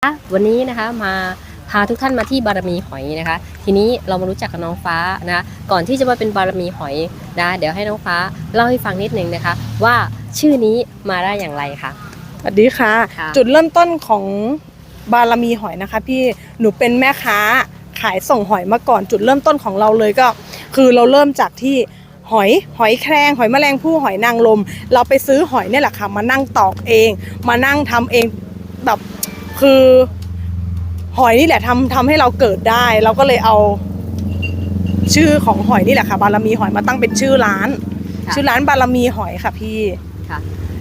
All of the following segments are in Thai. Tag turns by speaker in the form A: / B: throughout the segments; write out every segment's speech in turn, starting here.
A: วันนี้นะคะมาพาทุกท่านมาที่บารมีหอยนะคะทีนี้เรามารู้จักกับน้องฟ้านะคะก่อนที่จะมาเป็นบารมีหอยนะเดี๋ยวให้น้องฟ้าเล่าให้ฟังนิดนึงนะคะว่าชื่อนี้มาได้อย่างไรคะ
B: สวัสดีค่ะจุดเริ่มต้นของบารมีหอยนะคะพี่หนูเป็นแม่ค้าขายส่งหอยมาก่อนจุดเริ่มต้นของเราเลยก็คือเราเริ่มจากที่หอยแครงหอยแมลงภู่หอยนางรมเราไปซื้อหอยเนี่ยแหละค่ะมานั่งตอกเองมานั่งทำเองแบบคือหอยนี่แหละทำให้เราเกิดได้เราก็เลยเอาชื่อของหอยนี่แหละค่ะบารมีหอยมาตั้งเป็นชื่อร้านบารมีหอยค่ะพี่ค่ะ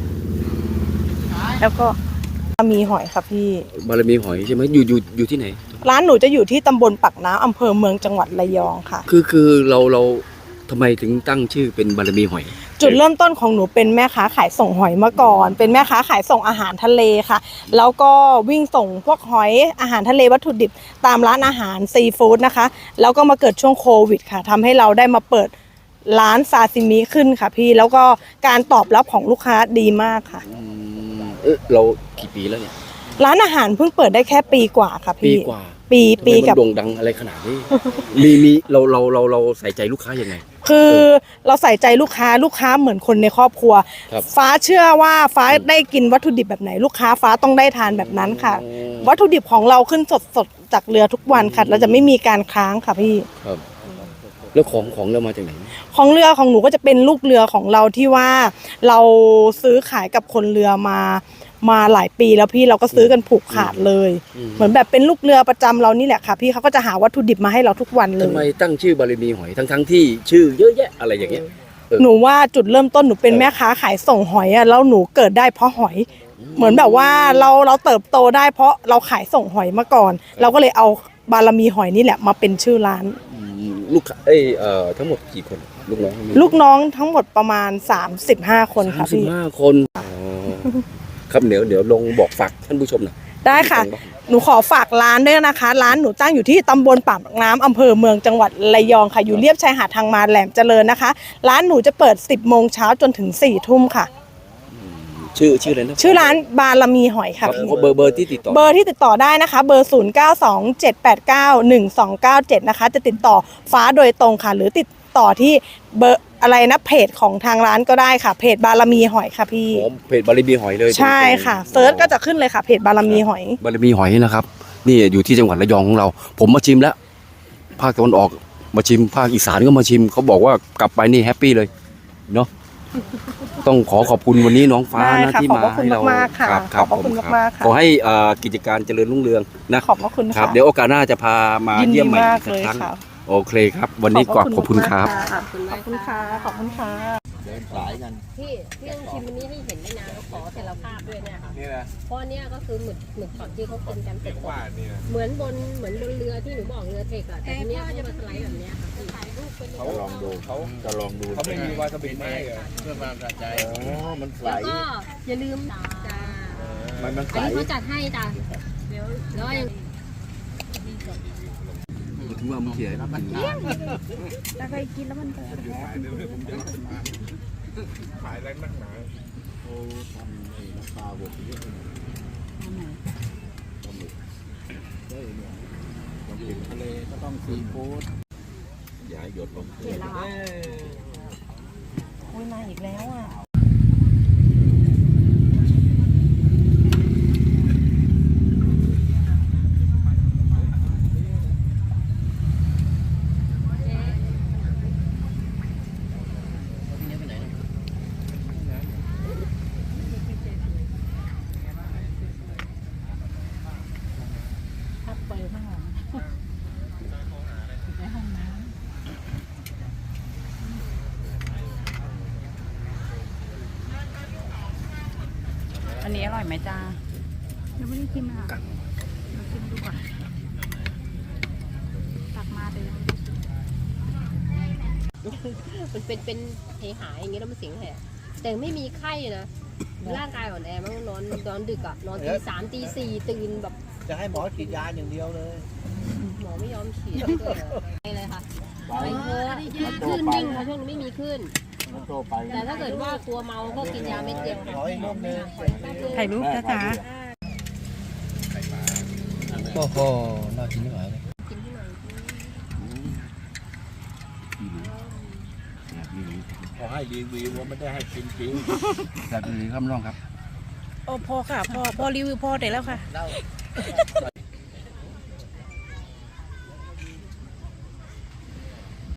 B: แล้วก็บารมีหอยค่ะพี่
C: บารมีหอยใช่ไหมอยู่ที่ไหน
B: ร้านหนูจะอยู่ที่ตำบลปากน้ำอำเภอเมืองจังหวัดระยองค่ะ
C: คือเราทำไมถึงตั้งชื่อเป็นบารมีหอย
B: จุดเริ่มต้นของหนูเป็นแม่ค้าขายส่งหอยมาก่อนเป็นแม่ค้าขายส่งอาหารทะเลค่ะแล้วก็วิ่งส่งพวกหอยอาหารทะเลวัตถุดิบตามร้านอาหารซีฟู้ดนะคะแล้วก็มาเกิดช่วงโควิดค่ะทำให้เราได้มาเปิดร้านซาซิมิขึ้นค่ะพี่แล้วก็การตอบรับของลูกค้าดีมากค่ะ
C: เรากี่ปีแล้วเนี่ย
B: ร้านอาหารเพิ่งเปิดได้แค่ปีกว่าค่ะพี่ปี
C: กับโด่งดังอะไรขนาดนี้มีเราใส่ใจลูกค้ายังไง
B: คือเราใส่ใจลูกค้าเหมือนคนในครอบครัวฟ้าเชื่อว่าฟ้าได้กินวัตถุดิบแบบไหนลูกค้าฟ้าต้องได้ทานแบบนั้นค่ะวัตถุดิบของเราขึ้นสดจากเรือทุกวันค่ะเราจะไม่มีการค้างค่ะพี่
C: ครับแล้วของเรามาจากไหน
B: ของเรือของหนูก็จะเป็นลูกเรือของเราที่ว่าเราซื้อขายกับคนเรือมาหลายปีแล้วพี่เราก็ซื้อกันผูกขาดเลยเหมือนแบบเป็นลูกเรือประจำเรานี่แหละค่ะพี่เขาก็จะหาวัตถุดิบมาให้เราทุกวันเลย
C: ทำไมตั้งชื่อบารมีหอยทั้งที่ชื่อเยอะแยะอะไรอย่างเงี้ย
B: หนูว่าจุดเริ่มต้นหนูเป็นแม่ค้าขายส่งหอยอะแล้วหนูเกิดได้เพราะหอยเหมือนแบบว่าเราเติบโตได้เพราะเราขายส่งหอยมาก่อนเราก็เลยเอาบารมีหอยนี่แหละมาเป็นชื่อร้าน
C: ลูกทั้งหมดกี่คนลูก
B: น้องทั้งหมดประมาณ35คนค่ะพี่
C: 35คนครับเดี๋ยวลงบอกฝากท่านผู้ชมหน่อย
B: ได้ค่ะหนูขอฝากร้านด้วยนะคะร้านหนูตั้งอยู่ที่ตำบลปากน้ำอำเภอเมืองจังหวัดระยองค่ะอยู่เลียบชายหาดทางมาแหลมเจริญนะคะร้านหนูจะเปิด10 โมงเช้าจนถึง4 ทุ่มค่ะ
C: ชื่ออะไรนะ
B: ชื่อร้านบารมีหอยค่ะ
C: เบอร์ที่ติ
B: ดต่อได้นะคะเบอร์0927891297นะคะจะติดต่อฟ้าโดยตรงค่ะหรือติดต่อที่เบอร์อะไรนะเพจของทางร้านก็ได้ค่ะเพจบารมีหอยค่ะพี่
C: เพจบารมีหอยเลย
B: ใช่ค่ะเซิร์ชก็จะขึ้นเลยค่ะเพจบารมีหอย
C: นะครับนี่อยู่ที่จังหวัดระยองของเราผมมาชิมแล้วภาคตะวันออกมาชิมภาคอีสานก็มาชิมเขาบอกว่ากลับไปนี่แฮปปี้เลยเนาะต้องขอบคุณวันนี้น้องฟ้านะที่มาให้เรา
B: ขอบคุณมากค่ะ
C: ขอให้กิจการเจริญรุ่งเรืองนะ
B: ขอบคุณ
C: ครับเดี๋ยวโอกาสหน้าจะพามาเยี่ยมใหม่อีกครั้งโอเคครับวันนี้ขอบคุณครับ
B: ขอบคุณค่ะ
D: เดินสายกัน
A: พี่ต้องชิมวันนี้นี่เห็นไม่นานขอเสรภาพด้วยเนี่ยค่ะเพราะเนี่ยก็คือหมึกช็อตที่เขากินกันเป็นเหมือนบนเรือที่หนูบอกเรือเทกอะแต่ทีเนี้ยเขามาสไลด์แบบเนี้ยค่ะถ่ายรูปเป็น
D: เขาจะลองดูเขาไม่มีวาซาบิไม่เพื่อความสะใจมันใส
A: แล้วก็อย่าลืมจ้า
D: มันใส
A: อันนี้เขาจัดให้จ้าแล้วยัง
C: ถึงว่ามันเสีย
B: แต่เคยกินแล้วมันเกิด
D: ขายอะไรมากมายโอ้ทำน้ำปลาบดเยอะเลยปลาหมึกได้เนี่ยต้องกินทะเลก็ต้องซีฟู้ดอย่าหยดลง
B: เห็นแล้วโอ้ยมาอีกแล้วอ่ะอันนี้อร่อยไหมจ้ายังไม่ได้ชิมอ่ะเราชิมดูก่อนตักมาเลย
A: มันเป็นเหหายอย่างเงี้ยแล้วมันเสียงแหบแต่ไม่มีไข้นะร่างกายอ่อนแอมันนอนดึกอ่ะนอนตี 3 ตี 4ตื่นแบบ
D: จะให้หมอฉีดยาอย่างเดียวเลย
A: หมอไม่ยอมฉีดไปเลยค่ะไปเถอะขึ้นวิ่งค่ะช่วงนี้ไม่มีขึ้นแต่ถ้าเกิดว่ากลัวเมาก็กินยาเม็ดเดียว
B: ถ่ายรูปจ้า
C: โอ้โหน่ากินไม่ไหวเลย
D: ขอให้รีวิวว่าไม่ได้ให้กินจริง
C: แบบนี้ครับน้องครับ
B: โอ้พอค่ะพอรีวิวพอได้แล้วค่ะ